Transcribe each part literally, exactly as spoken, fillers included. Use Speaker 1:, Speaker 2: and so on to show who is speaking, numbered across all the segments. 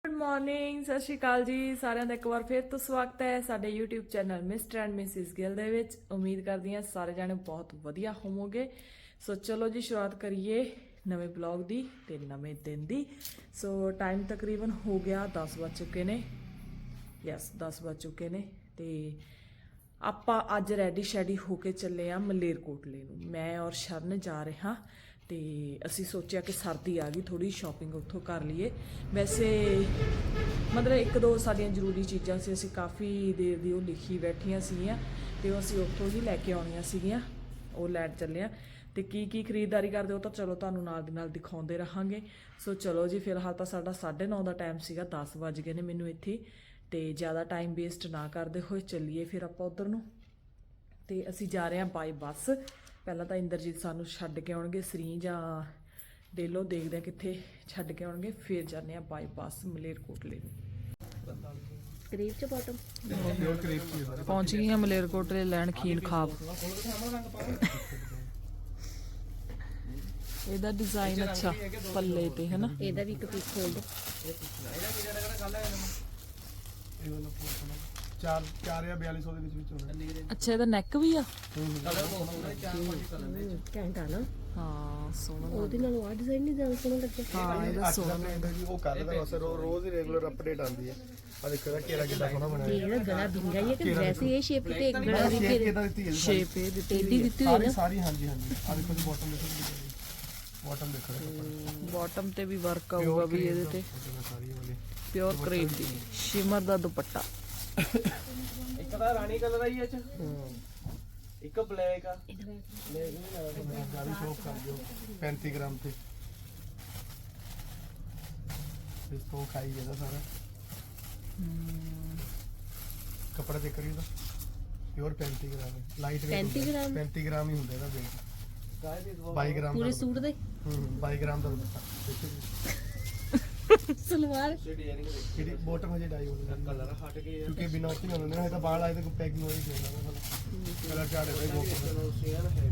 Speaker 1: Good morning, ਸਤਿ ਸ਼੍ਰੀ ਅਕਾਲ ਜੀ ਸਾਰਿਆਂ ਦਾ। ਇੱਕ ਵਾਰ ਫਿਰ ਤੋਂ ਸਵਾਗਤ ਹੈ ਸਾਡੇ YouTube channel mister and missus Gill ਦੇ ਵਿੱਚ। ਉਮੀਦ ਕਰਦੀ ਹਾਂ ਸਾਰੇ ਜਾਣੇ ਬਹੁਤ ਵਧੀਆ ਹੋਵੋਗੇ। ਸੋ ਚਲੋ ਜੀ ਸ਼ੁਰੂਆਤ ਕਰੀਏ ਨਵੇਂ ਬਲੌਗ ਦੀ ਤੇ ਨਵੇਂ ਦਿਨ ਦੀ। ਸੋ ਟਾਈਮ ਤਕਰੀਬਨ ਹੋ ਗਿਆ ਦਸ ਵੱਜ ਚੁੱਕੇ ਨੇ। ਯੈਸ ਦਸ ਵੱਜ ਚੁੱਕੇ ਨੇ ਤੇ ਆਪਾਂ ਅੱਜ ਰੈਡੀ ਸ਼ੈਡੀ ਹੋ ਕੇ ਚੱਲੇ ਆ ਮਲੇਰਕੋਟਲੇ ਨੂੰ। ਮੈਂ ਔਰ ਸ਼ਰਨ ਜਾ ਰਹੇ ਹਾਂ ਤੇ ਅਸੀਂ ਸੋਚਿਆ ਕਿ ਸਰਦੀ ਆ ਗਈ, ਥੋੜੀ ਸ਼ਾਪਿੰਗ ਉੱਥੋਂ ਕਰ ਲਈਏ। ਵੈਸੇ ਮਤਲਬ ਇੱਕ ਦੋ ਸਾਡੀਆਂ ਜ਼ਰੂਰੀ ਚੀਜ਼ਾਂ ਸੀ, ਅਸੀਂ ਕਾਫੀ ਦੇਰ ਦੀ ਉਹ ਲਿਖੀ ਬੈਠੀਆਂ ਸੀਗੀਆਂ ਤੇ ਉਹ ਅਸੀਂ ਉੱਥੋਂ ਹੀ ਲੈ ਕੇ ਆਉਣੀਆਂ ਸੀਗੀਆਂ, ਉਹ ਲੈਣ ਚੱਲੇ ਆ। ਤੇ ਕੀ ਕੀ ਖਰੀਦਦਾਰੀ ਕਰਦੇ ਹੋ ਤਾਂ ਚਲੋ ਤੁਹਾਨੂੰ ਨਾਲ ਦੀ ਨਾਲ ਦਿਖਾਉਂਦੇ ਰਹਾਂਗੇ। ਸੋ ਚਲੋ ਜੀ, ਫਿਲਹਾਲ ਤਾਂ ਸਾਡਾ ਸਾਢੇ ਨੌ ਦਾ ਟਾਈਮ ਸੀਗਾ, ਦਸ ਵੱਜ ਗਏ ਨੇ ਮੈਨੂੰ ਇੱਥੇ। ਤੇ ਜ਼ਿਆਦਾ ਟਾਈਮ ਵੇਸਟ ਨਾ ਕਰਦੇ ਹੋਏ ਚੱਲੀਏ ਫਿਰ ਆਪਾਂ ਉੱਧਰ ਨੂੰ। ਤੇ ਅਸੀਂ ਜਾ ਰਹੇ ਹਾਂ ਬਾਈ ਬੱਸ। ਪਹਿਲਾਂ ਤਾਂ ਇੰਦਰਜੀਤ ਸਾਨੂੰ ਛੱਡ ਕੇ ਆਉਣਗੇ ਸਰੀ ਜਾਂ ਡੇਲੋ, ਦੇਖਦੇ ਆ ਕਿੱਥੇ ਛੱਡ ਕੇ ਆਉਣਗੇ, ਫਿਰ ਜਾਂਦੇ ਆ ਬਾਈ ਬੱਸ ਮਲੇਰਕੋਟਲੇ ਨੂੰ।
Speaker 2: ਕਰੀਬ ਚ ਬਾਟਮ
Speaker 1: ਪਹੁੰਚ ਗਏ ਹਾਂ ਮਲੇਰਕੋਟਲੇ ਲੈਣ ਖੀਨ ਖਾਬ। ਇਹਦਾ ਡਿਜ਼ਾਈਨ ਅੱਛਾ ਪੱਲੇ ਤੇ ਹੈ ਨਾ।
Speaker 2: ਇਹਦਾ ਵੀ ਇੱਕ ਪੀਸ ਖੋਲ ਦੋ।
Speaker 3: ਚਾਰ ਚਾਰ ਜਾਂ ਬਿਆਲੀ ਸੌ ਦੇ ਵਿੱਚ ਵਿੱਚ ਹੋਣਾ।
Speaker 1: ਅੱਛਾ, ਇਹਦਾ ਨੈਕ ਵੀ ਆ।
Speaker 2: ਘੈਂਟ ਆ ਨਾ।
Speaker 1: ਹਾਂ ਸੋਹਣਾ।
Speaker 2: ਉਹਦੇ ਨਾਲ ਆ ਡਿਜ਼ਾਈਨ ਨਹੀਂ ਜ਼ਿਆਦਾ ਸੋਹਣਾ ਲੱਗਿਆ।
Speaker 1: ਹਾਂ ਇਹਦਾ ਸੋਹਣਾ
Speaker 3: ਜੀ ਉਹ ਕਰ ਦਾ ਬਸ ਰੋਜ਼ ਹੀ ਰੈਗੂਲਰ ਅਪਡੇਟ ਆਉਂਦੀ ਹੈ। ਆ ਦੇਖੋ ਇਹਦਾ ਘੇਰਾ ਕਿੰਨਾ ਸੋਹਣਾ ਬਣਾਇਆ।
Speaker 2: ਇਹਦਾ ਗਲਾ ਵਿੰਗਾ ਹੀ ਹੈ ਕਿ ਵੈਸੇ ਇਹ ਸ਼ੇਪ ਤੇ ਗਲਾ ਵੀ
Speaker 3: ਸ਼ੇਪ ਕਿਦਾਂ ਦਿੱਤੀ ਹੈ?
Speaker 1: ਸ਼ੇਪ ਇਹ ਦਿੱਤੀ
Speaker 2: ਟੇਢੀ ਦਿੱਤੀ ਹੋਈ ਨਾ
Speaker 3: ਸਾਰੀ। ਹਾਂਜੀ ਹਾਂਜੀ ਆ ਦੇਖੋ ਜੀ ਬਾਟਮ ਦੇਖੋ, ਬਾਟਮ ਦੇਖੋ,
Speaker 1: ਬਾਟਮ ਤੇ ਵੀ ਵਰਕ ਆਊਗਾ ਵੀ ਇਹਦੇ ਤੇ।
Speaker 3: ਸਾਰੀ ਵਾਲੀ
Speaker 1: ਪਿਓਰ ਕਰੇਪ ਦੀ ਸ਼ਿਮਰ ਦਾ ਦੁਪੱਟਾ।
Speaker 4: ਇੱਕ ਤਾਂ ਰਾਣੀ ਕਲਰ ਆਈ ਚ, ਇੱਕ ਬਲੈਕ ਆ।
Speaker 3: ਗਾੜੀ ਸ਼ੋਪ ਕਰ ਦਿਓ ਪੈਂਤੀ ਗ੍ਰਾਮ ਤੇ। ਇਸ ਤੋਂ ਖਾਈ ਇਹਦਾ ਸਾਰਾ ਕੱਪੜਾ ਚੈੱਕ ਕਰੀਏ ਤਾਂ ਪਿਓਰ ਪੈਂਤੀ ਗ੍ਰਾਮ ਹੈ। ਲਾਈਟ ਵੇਟ
Speaker 2: ਪੈਂਤੀ ਗ੍ਰਾਮ
Speaker 3: ਪੈਂਤੀ ਗ੍ਰਾਮ ਹੀ ਹੁੰਦਾ ਇਹਦਾ ਵੇਟ। ਬਾਈ ਗ੍ਰਾਮ
Speaker 2: ਪੂਰੇ ਸੂਟ ਦੇ
Speaker 3: ਹੂੰ ਬਾਈ ਗ੍ਰਾਮ ਦਾ ਦੁਪੱਟਾ ਦੇਖੋ ਜੀ।
Speaker 2: ਸਲਵਾਰ
Speaker 3: ਜਿਹੜੀ ਬੋਟਮ ਹਜੇ ਡਾਈ ਹੋਣੀ
Speaker 4: ਕਲਰ ਹਟ ਗਏ
Speaker 3: ਕਿਉਂਕਿ ਬਿਨਾਂ ਉੱਥੇ ਹੋਣੇ ਨੇ ਤਾਂ ਬਾਲ ਆਏ ਤੇ ਕੋਈ ਪੈਕਿੰਗ ਹੋਈ ਨਹੀਂ ਕਲਰ ਚਾੜੇ ਹੋਏ ਬੋਟਮ
Speaker 4: ਸੇਮ ਹੈ।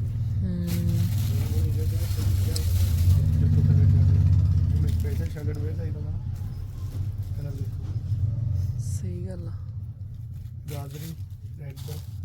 Speaker 3: ਦੇਖੋ ਕਲਰ ਚਾੜੇ ਜਿਵੇਂ ਸਪੈਸ਼ਲ ਸ਼ਰਟ ਵੇਅਰ ਚਾਹੀਦਾ ਨਾ ਕਲਰ ਦੇਖੋ।
Speaker 1: ਸਹੀ ਗੱਲ ਆ।
Speaker 3: ਗਾਜਰੀ ਰੈੱਡ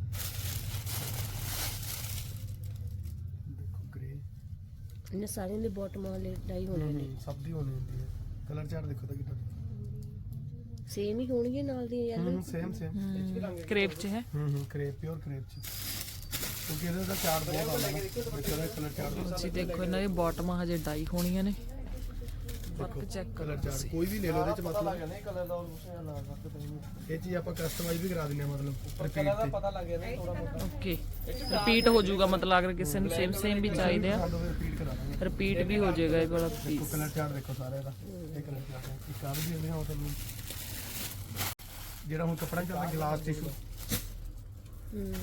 Speaker 3: ਦੇਖੋ ਗ੍ਰੇ।
Speaker 2: ਇਹਨਾਂ ਸਾਰਿਆਂ ਦੇ ਬਾਟਮ ਵਾਲੇ ਡਾਈ ਹੋਣੇ ਨੇ।
Speaker 3: ਸਭ ਦੀ ਹੋਣੀ ਹੁੰਦੀ ਹੈ। ਕਲਰ ਚਾਰਟ ਦੇਖੋ ਤਾਂ ਕਿੱਦਾਂ
Speaker 2: ਸੇਮ ਹੀ ਹੋਣਗੇ ਨਾਲ ਦੀ ਯਾਰ।
Speaker 3: ਹੂੰ ਸੇਮ ਸੇਮ
Speaker 1: ਕਰੇਪ ਚ ਹੈ।
Speaker 3: ਹੂੰ ਹੂੰ ਕਰੇਪ ਪਿਓਰ ਕਰੇਪ ਚ ਕਿਉਂਕਿ ਇਹਦਾ ਤਾਂ ਚਾਰਟ ਬਹੁਤ ਆਉਂਦਾ ਨਾ ਦੇਖੋ ਕਲਰ ਚਾਰਟ।
Speaker 1: ਤੁਸੀਂ ਦੇਖੋ ਇਹਨਾਂ ਦੀ ਬਾਟਮਾਂ ਹਜੇ ਡਾਈ ਹੋਣੀਆਂ ਨੇ। ਵਰਕ ਚੈੱਕ
Speaker 3: ਕਲਰ ਚਾਰਟ ਕੋਈ ਵੀ ਲੈ ਲਓ ਇਹਦੇ ਚ ਮਤਲਬ
Speaker 4: ਕਹਿੰਦੇ ਕਲਰ ਦਾ ਉਸ ਨਾਲ ਰੱਖ
Speaker 3: ਇਹ ਚੀਜ਼ ਆਪਾਂ ਕਸਟਮਾਈਜ਼ ਵੀ ਕਰਾ ਦਿੰਦੇ ਆ ਮਤਲਬ ਰਿਪੀਟ
Speaker 4: ਕਲਰ ਦਾ
Speaker 3: ਤੇ।
Speaker 4: ਪਤਾ ਲੱਗ ਗਿਆ ਨਾ ਥੋੜਾ ਬਹੁਤ।
Speaker 1: ਓਕੇ ਰਿਪੀਟ ਹੋ ਜਾਊਗਾ, ਮਤਲਬ ਅਗਰ ਕਿਸੇ ਨੂੰ ਸੇਮ ਸੇਮ ਵੀ ਚਾਹੀਦੇ ਆ
Speaker 3: ਸਾਨੂੰ ਰਿਪੀਟ ਕਰਾ ਦਾਂਗੇ।
Speaker 1: ਰਿਪੀਟ ਵੀ ਹੋ ਜਾਏਗਾ ਇਹ ਵਾਲਾ
Speaker 3: ਦੇਖੋ
Speaker 1: ਪੀਸ।
Speaker 3: ਕਲਰ ਚਾਰਟ ਦੇਖੋ ਸਾਰੇ ਦਾ। ਇਹ ਕਲਰ ਚਾਰਟ ਹੈ। ਇੱਕ ਆ ਵੀ ਦਿੰਦੇ ਹਾਂ ਤੁਹਾਨੂੰ ਜਿਹੜਾ ਹੁਣ ਕੱਪੜਾ ਚੱਲਦਾ ਗਲਾਸ ਟਿਸ਼ੂ।
Speaker 2: ਹੂੰ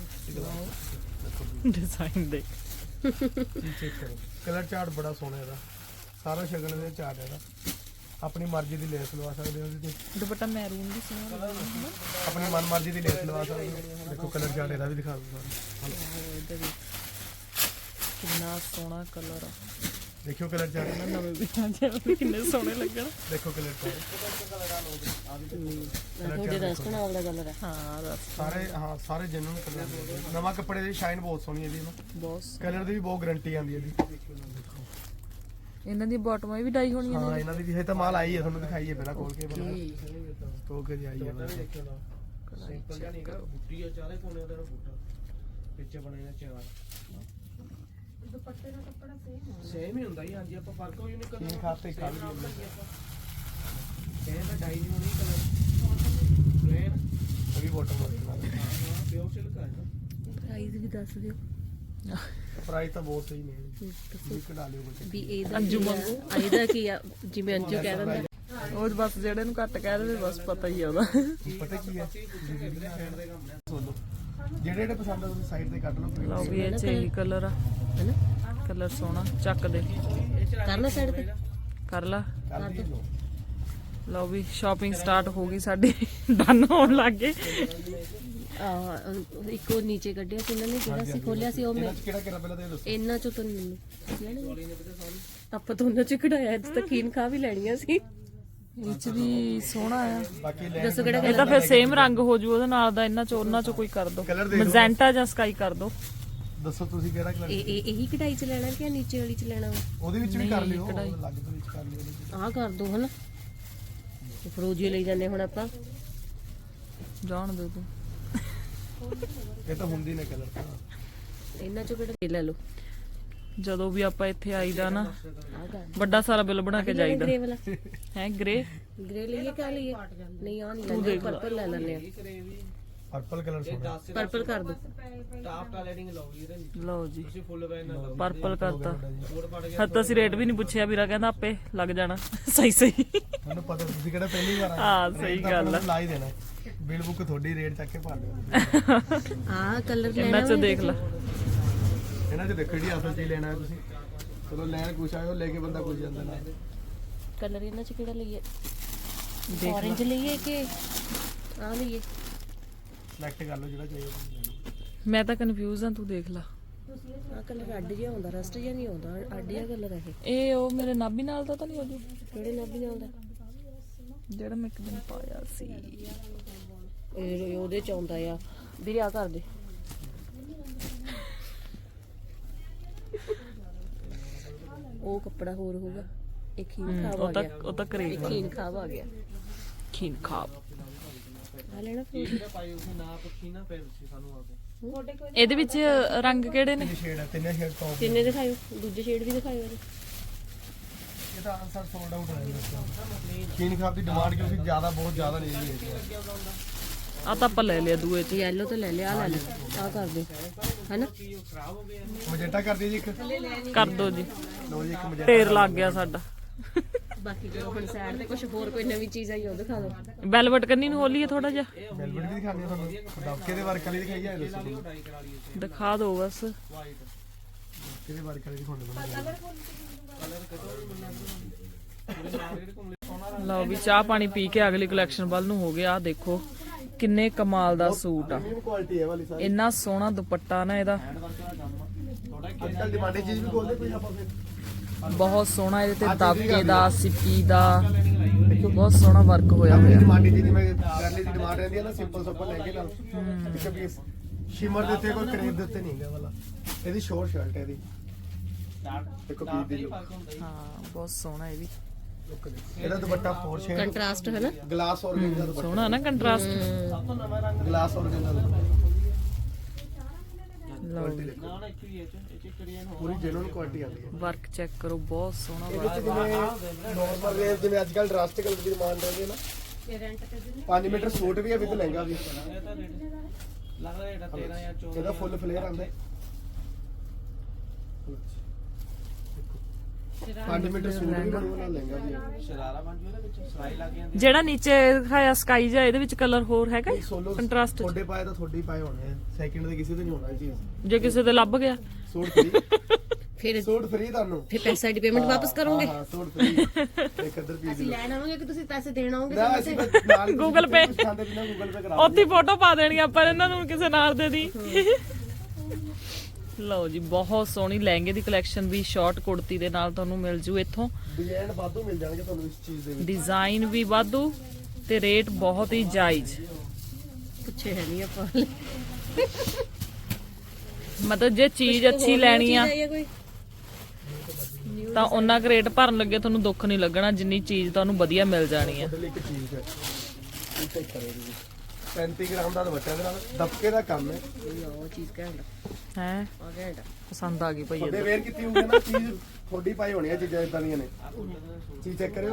Speaker 1: ਡਿਜ਼ਾਈਨ ਦੇਖ।
Speaker 3: ਚੈੱਕ ਕਰੋ ਕਲਰ ਚਾਰਟ ਬੜਾ ਸੋਹਣਾ ਇਹਦਾ। ਸਾਰਾ ਸ਼ਗਨ ਦੇ ਚਾਰਟ ਇਹਦਾ। ਆਪਣੀ ਮਰਜ਼ੀ ਦੀ ਲੈਸ ਲਵਾ ਸਕਦੇ ਹੋ ਇਹਦੇ ਤੇ।
Speaker 1: ਦੁਪੱਟਾ ਮੈਰੂਨ ਵੀ ਸੋਹਣਾ ਲੱਗਦਾ।
Speaker 3: ਆਪਣੀ ਮਨ ਮਰਜ਼ੀ ਦੀ ਲੈਸ ਲਵਾ ਸਕਦੇ ਹੋ। ਦੇਖੋ ਕਲਰ ਚਾਰਟ ਇਹਦਾ ਵੀ ਦਿਖਾ ਦਿੰਦਾ
Speaker 1: ਇਹਦਾ ਵੀ ਕਿੰਨਾ ਸੋਹਣਾ ਕਲਰ ਆ।
Speaker 3: ਦੇਖਿਓ ਕਲਰ ਚਾਰਟ
Speaker 1: ਨਵੇਂ ਵੀ ਆ ਜਾਣ ਕਿੰਨੇ ਸੋਹਣੇ ਲੱਗਣ।
Speaker 3: ਦੇਖੋ ਕਲਰ ਚਾਰਟ
Speaker 2: ਤੁਹਾਡੇ ਰਸਤ ਨਾਲ ਦਾ ਕਲਰ ਹੈ।
Speaker 1: ਹਾਂ ਰਸ
Speaker 3: ਸਾਰੇ ਹਾਂ ਸਾਰੇ ਜੈਨੂਨ ਕਲਰ। ਨਵਾਂ ਕੱਪੜੇ ਦੀ ਸ਼ਾਈਨ ਬਹੁਤ ਸੋਹਣੀ ਇਹਦੀ ਨਾ।
Speaker 1: ਬਹੁਤ
Speaker 3: ਕਲਰ ਦੀ ਵੀ ਬਹੁਤ ਗਾਰੰਟੀ ਆਉਂਦੀ ਹੈ ਇਹਦੀ।
Speaker 1: ਇਹਨਾਂ ਦੀ ਬਾਟਮਾਂ ਵੀ ਡਾਈ ਹੋਣੀਆਂ
Speaker 3: ਹਾਂ
Speaker 1: ਨੇ।
Speaker 3: ਇਹਨਾਂ ਦੀ ਵੀ ਹੈ ਤਾਂ ਮਾਲ ਆਈ ਹੈ, ਤੁਹਾਨੂੰ ਦਿਖਾਈਏ ਪਹਿਲਾਂ ਖੋਲ ਕੇ ਬਣਾ ਖੋਲ ਕੇ ਆਈ ਹੈ।
Speaker 4: ਸਿੰਪਲ ਜਿਹਾ ਨਹੀਂ ਹੈਗਾ, ਬੁੱਟੀ ਆ ਚਾਰੇ ਕੋਨੇ ਦਾ ਬੂਟਾ ਪਿੱਛੇ ਬਣੇ ਨੇ ਚਾਰ।
Speaker 2: ਦੁਪੱਟੇ ਦਾ ਕੱਪੜਾ ਸੇਮ ਹੈ।
Speaker 4: ਸੇਮ ਹੀ ਹੁੰਦਾ ਹੀ। ਹਾਂਜੀ ਆਪਾਂ ਫਰਕ ਹੋਈ ਨਹੀਂ
Speaker 3: ਤਿੰਨ ਖਾਤੇ ਖਾ ਲਈ
Speaker 4: ਇਹ ਤਾਂ ਡਾਈ ਨਹੀਂ ਹੋਣੀ ਕਲਰ ਪਲੇਨ
Speaker 3: ਇਹ ਵੀ ਬਾਟਮ ਵਰਕ ਨਾਲ।
Speaker 4: ਹਾਂ ਪਿਓਰ ਸਿਲਕ ਹੈ ਨਾ।
Speaker 2: ਪ੍ਰਾਈਸ ਵੀ ਦੱਸ ਦਿਓ
Speaker 3: ਪ੍ਰਾਈਸ ਤਾਂ ਬਹੁਤ ਸਹੀ ਨੇ ਜੀ। ਕਢਾ ਲਿਓ ਕੋਈ
Speaker 2: ਵੀ ਇਹਦਾ
Speaker 1: ਅੰਜੂ
Speaker 2: ਕੀ ਆ,
Speaker 1: ਵਾਂਗੂ।
Speaker 2: ਇਹਦਾ ਕੀ ਆ ਜਿਵੇਂ ਅੰਜੂ ਕਹਿ ਦਿੰਦਾ।
Speaker 1: ਉਹ ਬਸ ਜਿਹੜੇ ਨੂੰ ਘੱਟ ਕਹਿ ਦੇਵੇ ਬਸ ਪਤਾ ਹੀ ਆ ਉਹਦਾ।
Speaker 3: ਪਤਾ ਕੀ ਹੈ ਸੋਲੋ ਜਿਹੜੇ ਜਿਹੜੇ ਪਸੰਦ ਆ ਤੁਸੀਂ ਸਾਈਡ ਤੇ ਕੱਢ ਲਓ।
Speaker 1: ਲਓ ਵੀ ਇਹ ਚ ਇਹੀ ਕਲਰ ਆ
Speaker 2: ਹੈਨਾ
Speaker 1: ਕਲਰ ਸੋਹਣਾ। ਚੱਕ ਦੇ
Speaker 2: ਕਰਨਾ ਸਾਈਡ ਤੇ
Speaker 1: ਕਰ ਲਾ।
Speaker 3: ਕਰ ਦਿਓ।
Speaker 1: ਲਓ ਵੀ ਸ਼ਾਪਿੰਗ ਸਟਾਰਟ ਹੋ ਗਈ ਸਾਡੀ। ਡਨ ਹੋਣ ਲੱਗ ਗਏ।
Speaker 2: ਆ ਇੱਕ ਉਹ ਨੀਚੇ ਕੱਢਿਆ ਸੀ ਇਹਨਾਂ ਨੇ, ਜਿਹੜਾ ਸੀ ਖੋਲਿਆ ਸੀ ਉਹ ਮੈਂ
Speaker 3: ਇਹਨਾਂ ਚ ਕਿਹੜਾ ਕਿਹੜਾ ਪਹਿਲਾਂ ਤੇ ਇਹ ਦੱਸੋ।
Speaker 2: ਇਹਨਾਂ ਚੋਂ ਤਾਂ ਨਹੀਂ ਲੈਣੇ ਆਪਾਂ ਤਾਂ ਉਹਨਾਂ ਚ ਕਢਾਇਆ। ਇੱਥੇ ਤਾਂ ਖੀਨ ਖਾ ਵੀ ਲੈਣੀਆਂ ਸੀ।
Speaker 1: ਇਹ ਚ ਵੀ ਸੋਹਣਾ ਆ।
Speaker 3: ਬਾਕੀ ਲੈ
Speaker 2: ਦੱਸੋ ਕਿਹੜਾ
Speaker 1: ਇਹ ਤਾਂ ਫਿਰ ਸੇਮ ਰੰਗ ਹੋ ਜੂ ਉਹਦੇ ਨਾਲ ਦਾ। ਇਹਨਾਂ ਚੋਂ ਉਹਨਾਂ ਚੋਂ ਕੋਈ ਕਰ ਦੋ,
Speaker 3: Colour ਦੇਖ ਲਓ।
Speaker 1: ਮਜੈਂਟਾ ਜਾਂ ਸਕਾਈ ਕਰ ਦੋ।
Speaker 3: ਦੱਸੋ ਤੁਸੀਂ ਕਿਹੜਾ ਕਲਰ
Speaker 2: ਇਹ ਇਹ ਇਹੀ ਕਢਾਈ ਚ ਲੈਣਾ ਕਿ ਨੀਚੇ ਵਾਲੀ ਚ ਲੈਣਾ ਵਾ?
Speaker 3: ਉਹਦੇ ਵਿੱਚ ਵੀ ਕਰ ਲਿਓ,
Speaker 1: ਕਢਾਈ।
Speaker 3: ਅਲੱਗ ਤੋਂ ਵਿੱਚ ਕਰ ਲਿਓ ਉਹਦੇ ਵਿੱਚ।
Speaker 2: ਆਹ ਕਰ ਦੋ ਹਨਾ, ਫਰੋਜੀ ਲਈ ਜਾਂਦੇ ਹੁਣ ਆਪਾਂ।
Speaker 1: ਜਾਣ ਦੇ ਤੂੰ।
Speaker 3: ਇਹ ਤਾਂ ਹੁੰਦੀ ਨੇ ਕਲਰ ਤਾਂ।
Speaker 2: ਇਹਨਾਂ ਚੋਂ ਕਿਹੜਾ ਇਹ ਲੈ ਲਓ।
Speaker 1: ਜਦੋਂ ਵੀ ਆਪਾਂ ਇੱਥੇ ਆਈਦਾ ਨਾ
Speaker 2: ਆਹ ਕਰ
Speaker 1: ਵੱਡਾ ਸਾਰਾ ਬਿੱਲ ਬਣਾ ਕੇ ਜਾਈਦਾ
Speaker 2: ਗ੍ਰੇ ਵਾਲਾ।
Speaker 1: ਹੈ। ਗ੍ਰੇ
Speaker 2: ਗ੍ਰੇ ਲਈਏ ਕਿਆ ਲਈਏ? ਨਹੀਂ ਆ ਨਹੀਂ ਲੈਂਦੇ, ਪਰਪਲ ਲੈ ਲੈਂਦੇ ਆ।
Speaker 3: ਪਰਪਲ ਕਲਰ ਸੋਹਣਾ।
Speaker 2: ਪਰਪਲ ਕਰ ਦੋ।
Speaker 4: ਟਾਪ ਟਾ ਲੈਡਿੰਗ ਲਾਉਗੀ ਇਹਦੇ ਵਿੱਚ
Speaker 1: ਲਓ ਜੀ,
Speaker 4: ਤੁਸੀਂ ਫੁੱਲ ਵੈਨ ਨਾ ਲਾਓ।
Speaker 1: ਪਰਪਲ ਕਰਤਾ।
Speaker 4: ਕੋਡ ਪੜ ਗਿਆ
Speaker 1: ਹੱਦ ਤਾਂ ਅਸੀਂ ਰੇਟ ਵੀ ਨਹੀਂ ਪੁੱਛਿਆ, ਵੀਰਾ ਕਹਿੰਦਾ ਆਪੇ ਲੱਗ ਜਾਣਾ। ਸਹੀ ਸਹੀ।
Speaker 3: ਮੈਨੂੰ ਪਤਾ ਤੁਸੀਂ ਕਿਹੜਾ ਪਹਿਲੀ ਵਾਰ ਆਏ।
Speaker 1: ਹਾਂ, ਸਹੀ
Speaker 3: ਰੇਟ ਤਾਂ
Speaker 1: ਗੱਲ ਆ।
Speaker 3: ਲਾ ਹੀ ਦੇਣਾ। ਬਿਲ ਬੁੱਕ ਤੁਹਾਡੀ ਰੇਟ ਚੱਕ ਕੇ ਭਰ ਦਿਓ।
Speaker 2: ਆਹ ਕਲਰ ਲੈਣਾ
Speaker 1: ਇਹਨਾਂ ਚ ਦੇਖ ਲੈ।
Speaker 3: ਇਹਨਾਂ ਚ ਦੇਖੋ ਜਿਹੜੀ ਅਸਲ ਚੀਜ਼ ਲੈਣਾ ਹੈ ਤੁਸੀਂ। ਚਲੋ ਲੈਣ ਕੁਛ ਆਇਓ, ਲੈ ਕੇ ਬੰਦਾ ਕੁਛ ਜਾਂਦਾ ਨਾਲ।
Speaker 2: ਕਲਰ ਇਹਨਾਂ ਚ ਕਿਹੜਾ ਲਈਏ?
Speaker 1: ਦੇਖ
Speaker 2: orange ਲਈਏ ਕਿ ਆਹ ਲਈਏ?
Speaker 3: ਸਿਲੈਕਟ ਕਰ ਲਓ ਜਿਹੜਾ ਚਾਹੀਦਾ ਤੁਸੀਂ ਲੈ ਲਓ।
Speaker 1: ਮੈਂ ਤਾਂ ਕਨਫਿਊਜ਼ ਹਾਂ, ਤੂੰ ਦੇਖ ਲੈ।
Speaker 2: ਆਹ ਕਲਰ ਅੱਡ ਜਿਹਾ ਹੁੰਦਾ, ਰਸਟ ਜਿਹਾ ਨਹੀਂ ਆਉਂਦਾ, ਅੱਡ ਜਿਹਾ ਕਲਰ ਹੈ ਇਹ।
Speaker 1: ਇਹ ਉਹ ਮੇਰੇ ਨਾਭੀ ਨਾਲ ਦਾ ਤਾਂ ਨਹੀਂ ਹੋ ਜੂ
Speaker 2: ਕਿਹੜੇ ਨਾਭੀ ਨਾਲ ਦਾ?
Speaker 1: ਜਿਹੜਾ ਮੈਂ ਇੱਕ ਦਿਨ ਪਾਇਆ ਸੀ।
Speaker 2: ਇਹ ਉਹਦੇ ਚ ਆਉਂਦਾ ਆ ਵੀਰੇ, ਆ ਕਰ ਦੇ। ਉਹ ਕੱਪੜਾ ਹੋਰ ਹੋਊਗਾ। ਇਹ ਖੀਨ ਖਾਬ ਆ
Speaker 1: ਉਹ ਤਾਂ
Speaker 2: ਗਿਆ।
Speaker 1: ਉਹ ਤਾਂ
Speaker 2: ਇਹ
Speaker 1: ਕਰੇਗਾ
Speaker 2: ਖੀਨ ਖਾਬ ਆ ਗਿਆ।
Speaker 1: ਖੀਨ ਖਾਬ।
Speaker 2: ਆ ਲੈਣਾ ਫਿਰ।
Speaker 4: ਜਿਹੜਾ ਪਾਈ ਉਸੇ ਨਾ ਪੁੱਛੀ ਨਾ ਫਿਰ ਤੁਸੀਂ ਸਾਨੂੰ ਆ ਕੇ
Speaker 1: ਇਹਦੇ ਵਿੱਚ ਰੰਗ ਕਿਹੜੇ ਨੇ?
Speaker 3: ਤਿੰਨ ਸ਼ੇਡ ਹੈ, ਤਿੰਨੇ ਸ਼ੇਡ ਟੌਪ।
Speaker 2: ਕਿੰਨੇ ਦਿਖਾਇਓ? ਦੂਜੇ ਸ਼ੇਡ ਵੀ ਦਿਖਾਇਓ ਇਹਦੇ।
Speaker 3: ਇਹ ਤਾਂ ਆਨਸਰ ਸੋਲਡ ਆਊਟ ਹੈ ਜੀ। ਚੀਨ ਖਾਬ ਦੀ ਡਿਮਾਂਡ ਕਿਉਂਕਿ ਜ਼ਿਆਦਾ ਬਹੁਤ ਜ਼ਿਆਦਾ ਨਹੀਂ ਰਹੀ ਹੈ।
Speaker 1: ਆ ਤਾਂ ਆਪਾਂ ਲੈ ਲਿਆ ਦੂਏ ਚ।
Speaker 2: ਯੈਲੋ ਤਾਂ ਲੈ ਲਿਆ, ਆ ਲੈ ਲਿਆ, ਆ ਕਰ ਦੇ ਹੈਨਾ।
Speaker 3: ਮਜੈਂਟਾ ਕਰ ਦਿਓ ਜੀ ਇੱਕ।
Speaker 1: ਕਰ ਦੋ ਜੀ,
Speaker 3: ਲਓ ਜੀ ਇੱਕ ਮਜੈਂਟਾ।
Speaker 1: ਢੇਰ ਲੱਗ ਗਿਆ ਸਾਡਾ।
Speaker 2: ਬਾਕੀ ਜੋ ਹੁਣ ਸਾਈਡ ਤੇ ਕੁਝ ਹੋਰ ਕੋਈ ਨਵੀਂ ਚੀਜ਼ ਆਈ ਉਹ ਦਿਖਾ ਦਿਓ।
Speaker 1: ਵੈਲਵਟ ਕੰਨੀ ਨੂੰ ਹੋਲੀ ਹੈ ਥੋੜਾ ਜਿਹਾ।
Speaker 3: ਵੈਲਵਟ ਵੀ ਦਿਖਾਉਂਦੇ ਆ ਤੁਹਾਨੂੰ। ਦਬਕੇ ਦੇ ਵਰਕ ਵਾਲੀ ਦਿਖਾਈ ਜਾਏ ਦੱਸੋ ਤੁਸੀਂ।
Speaker 4: ਟਰਾਈ ਕਰਾ ਲਈ
Speaker 1: ਦਿਖਾ ਦੋ ਬਸ।
Speaker 4: ਵਾਈਟ
Speaker 3: ਕਿਹਦੇ ਵਰਕ ਵਾਲੀ ਦਿਖਾਉਂਦੇ ਤੁਹਾਨੂੰ?
Speaker 4: ਕਲਰ ਕਦੋਂ ਵੀ ਮਿਲਣਾ ਪੂਰੇ ਮਾਰਕੀਟ ਘੁੰਮ ਲੈ ਸੋਨਾ
Speaker 1: ਲਓ ਵੀ ਚਾਹ ਪਾਣੀ ਪੀ ਕੇ ਅਗਲੀ ਕਲੈਕਸ਼ਨ ਵੱਲ ਨੂੰ ਹੋ ਗਿਆ। ਆ ਦੇਖੋ ਕਿੰਨੇ ਕਮਾਲ ਦਾ ਸੂਟ ਆ।
Speaker 3: ਕੁਆਲਿਟੀ ਹੈ ਵਾਲੀ ਸਾਰੀ।
Speaker 1: ਇੰਨਾ ਸੋਹਣਾ ਦੁਪੱਟਾ ਨਾ ਇਹਦਾ,
Speaker 3: ਅੱਜ ਕੱਲ ਡਿਮਾਂਡੀ ਚੀਜ਼ ਵੀ ਖੋਲਦੇ ਕੋਈ ਆਪਾਂ ਫਿਰ।
Speaker 1: ਬਹੁਤ ਸੋਹਣਾ। ਇਹਦੇ ਤੇ ਦਾਬਕੇ ਦਾ, ਸਿੱਪੀ ਦਾ ਬਹੁਤ ਸੋਹਣਾ ਵਰਕ ਹੋਇਆ ਹੋਇਆ।
Speaker 3: ਡਿਮਾਂਡੀ ਚੀਜ਼ ਜਿਵੇਂ ਗਰਲੀ ਦੀ ਡਿਮਾਂਡ ਰਹਿੰਦੀ ਹੈ ਨਾ, ਸਿੰਪਲ ਸਿੰਪਲ ਲੈ ਕੇ ਨਾਲ ਇੱਕ ਪੀਸ ਸ਼ਿਮਰ ਦੇ ਉੱਤੇ ਕੋਈ ਕਰੇਬ ਦੇ ਉੱਤੇ ਨਹੀਂ ਹੈਗਾ ਵਾਲਾ। ਇਹਦੀ ਸ਼ੋਰਟ ਸ਼ਰਟ ਹੈ ਇਹਦੀ। ਦੇਖੋ ਪੀਸ ਦੀ look।
Speaker 1: ਹਾਂ ਬਹੁਤ ਸੋਹਣਾ ਇਹ ਵੀ।
Speaker 3: ਇਹਦਾ ਦੁਪੱਟਾ ਫੋਰ ਸ਼ੇਡ
Speaker 2: ਕੰਟਰਾਸਟ ਹੈ ਨਾ।
Speaker 3: Glass organza dupatta.
Speaker 1: ਸੋਹਣਾ ਨਾ ਕੰਟਰਾਸਟ।
Speaker 3: ਗਲਾਸ ਔਰਗੈਂਜਾ ਦੁਪੱਟਾ।
Speaker 1: ਲਓ
Speaker 3: ਕੁਆਲਿਟੀ ਦੇਖੋ
Speaker 4: ਨਾ ਨਾ ਇੱਕ ਹੀ ਇਹ ਚ ਇਹ ਚ ਕਰੀਏ ਨਾ
Speaker 3: ਪੂਰੀ ਜੈਨੂਨ ਕੁਆਲਿਟੀ ਆਉਂਦੀ ਹੈ।
Speaker 1: ਵਰਕ ਚੈੱਕ ਕਰੋ, ਬਹੁਤ ਸੋਹਣਾ
Speaker 3: ਇਹਦੇ
Speaker 1: ਵਰਕ।
Speaker 3: ਚ ਜਿਵੇਂ ਨਾਰਮਲ ਰੇਂਜ ਜਿਵੇਂ ਅੱਜ ਕੱਲ ਡਰਾਸਟਿਕ ਕਲਰ ਦੀ ਡਿਮਾਂਡ ਰਹਿੰਦੀ ਹੈ ਨਾ। ਪੰਜ ਮੀਟਰ ਸੂਟ ਵੀ ਹੈ ਵਿਦ ਲਹਿੰਗਾ ਵੀ।
Speaker 4: ਇਹ ਤਾਂ ਰੇਟ ਲੱਗਦਾ ਹੈ ਤੇਰਾਂ ਜਾਂ ਚੌਦਾਂ
Speaker 3: ਇਹਦਾ ਫੁੱਲ ਫਲੇਅਰ ਆਉਂਦਾ ਹੈ। ਪੰਜ ਮੀਟਰ ਸੂਟ ਵੀ ਬਣੂਗਾ ਨਾਲ ਲਹਿੰਗਾ ਵੀ ਹੈ।
Speaker 4: ਸ਼ਰਾਰਾ ਬਣ ਜੂ ਇਹਦੇ ਵਿੱਚ ਸਲਾਈ ਲੱਗ ਜਾਂਦੀ
Speaker 1: ਜਿਹੜਾ ਨੀਚੇ ਦਿਖਾਇਆ ਸਕਾਈ ਜਿਹਾ, ਇਹਦੇ ਵਿੱਚ ਕਲਰ ਹੋਰ ਹੈਗਾ
Speaker 3: ਸੋਲੋ
Speaker 1: ਕੰਟਰਾਸਟ।
Speaker 3: ਤੁਹਾਡੇ ਪਾਏ ਤਾਂ ਤੁਹਾਡੇ ਹੀ ਪਾਏ ਹੋਣੇ ਆ। ਸੈਕਿੰਡ ਦੇ ਕਿਸੇ ਦੇ ਨਹੀਂ ਹੋਣਾ ਇਹ ਚੀਜ਼।
Speaker 1: ਜੇ ਕਿਸੇ ਦੇ ਲੱਭ ਗਿਆ
Speaker 3: ਸੂਟ ਫ੍ਰੀ।
Speaker 2: ਫਿਰ
Speaker 3: ਸੂਟ ਫ੍ਰੀ ਤੁਹਾਨੂੰ।
Speaker 2: ਫਿਰ ਪੈਸਾ ਦੀ ਪੇਮੈਂਟ ਵਾਪਸ ਕਰੋਗੇ?
Speaker 3: ਹਾਂ ਸੂਟ ਫ੍ਰੀ। ਇੱਕ ਅਦਰ ਪੀਸ
Speaker 2: ਲੈਣ ਆਵਾਂਗੇ ਕਿ ਤੁਸੀਂ ਪੈਸੇ ਦੇਣ ਆਓਗੇ?
Speaker 3: ਨਾ ਅਸੀਂ ਬਸ ਨਾਲ
Speaker 1: Google Pay।
Speaker 3: ਖਾਂਦੇ ਬਿਨਾ ਗੂਗਲ ਪੇ ਕਰਾ
Speaker 1: ਉੱਥੇ ਫੋਟੋ ਪਾ ਦੇਣੀ ਆਪਾਂ ਇਹਨਾਂ ਨੂੰ ਕਿਸੇ ਨਾਲ ਦੇ ਦੀ। ਲਓ ਜੀ, ਬਹੁਤ ਸੋਹਣੀ ਲਹਿੰਗੇ ਦੀ ਕਲੈਕਸ਼ਨ ਵੀ ਸ਼ਾਰਟ ਕੁੜਤੀ ਦੇ ਨਾਲ ਤੁਹਾਨੂੰ ਮਿਲ ਜੂ ਇੱਥੋਂ।
Speaker 3: ਡਿਜ਼ਾਈਨ ਵਾਧੂ ਮਿਲ ਜਾਣਗੇ ਤੁਹਾਨੂੰ ਇਸ ਚੀਜ਼ ਦੇ ਵਿੱਚ।
Speaker 1: ਡਿਜ਼ਾਈਨ ਵੀ ਵਾਧੂ ਤੇ ਰੇਟ ਬਹੁਤ ਹੀ ਜਾਇਜ਼।
Speaker 2: ਪੁੱਛੇ ਹੈ ਨਹੀਂ ਆਪਾਂ।
Speaker 1: ਮਤਲਬ ਜੇ ਚੀਜ਼ ਅੱਛੀ ਲੈਣੀ ਆ
Speaker 2: ਕੋਈ
Speaker 1: ਤਾਂ ਉਹਨਾਂ ਕੁ ਰੇਟ ਭਰਨ ਲੱਗੇ ਤੁਹਾਨੂੰ ਦੁੱਖ ਨਹੀਂ ਲੱਗਣਾ, ਜਿੰਨੀ ਚੀਜ਼ ਤੁਹਾਨੂੰ ਵਧੀਆ ਮਿਲ ਜਾਣੀ ਆ।
Speaker 3: ਤੁਹਾਡੇ ਲਈ ਇੱਕ ਚੀਜ਼ ਹੈ। ਇਹ ਚੈੱਕ ਕਰੋ ਜੀ। ਪੈਂਤੀ ਗ੍ਰਾਮ ਦਾ ਦੁਪੱਟਾ ਦੇ ਨਾਲ ਦਬਕੇ ਦਾ ਕੰਮ ਹੈ।
Speaker 2: ਉਹ ਚੀਜ਼ ਘੈਂਟ
Speaker 1: ਹੈ
Speaker 2: ਆ ਘੈਂਟ।
Speaker 1: ਪਸੰਦ ਆ ਗਈ ਭਈ
Speaker 3: ਤੁਹਾਡੇ
Speaker 1: ਇਹ।
Speaker 3: ਵੇਅਰ ਕੀਤੀ ਹੋਊਗੀ ਨਾ ਚੀਜ਼ ਤੁਹਾਡੀ ਪਾਈ ਹੋਣੀ ਹੈ। ਚੀਜ਼ਾਂ ਇਦਾਂ ਦੀਆਂ ਨੇ। ਚੀਜ਼ ਚੈੱਕ ਕਰਿਓ।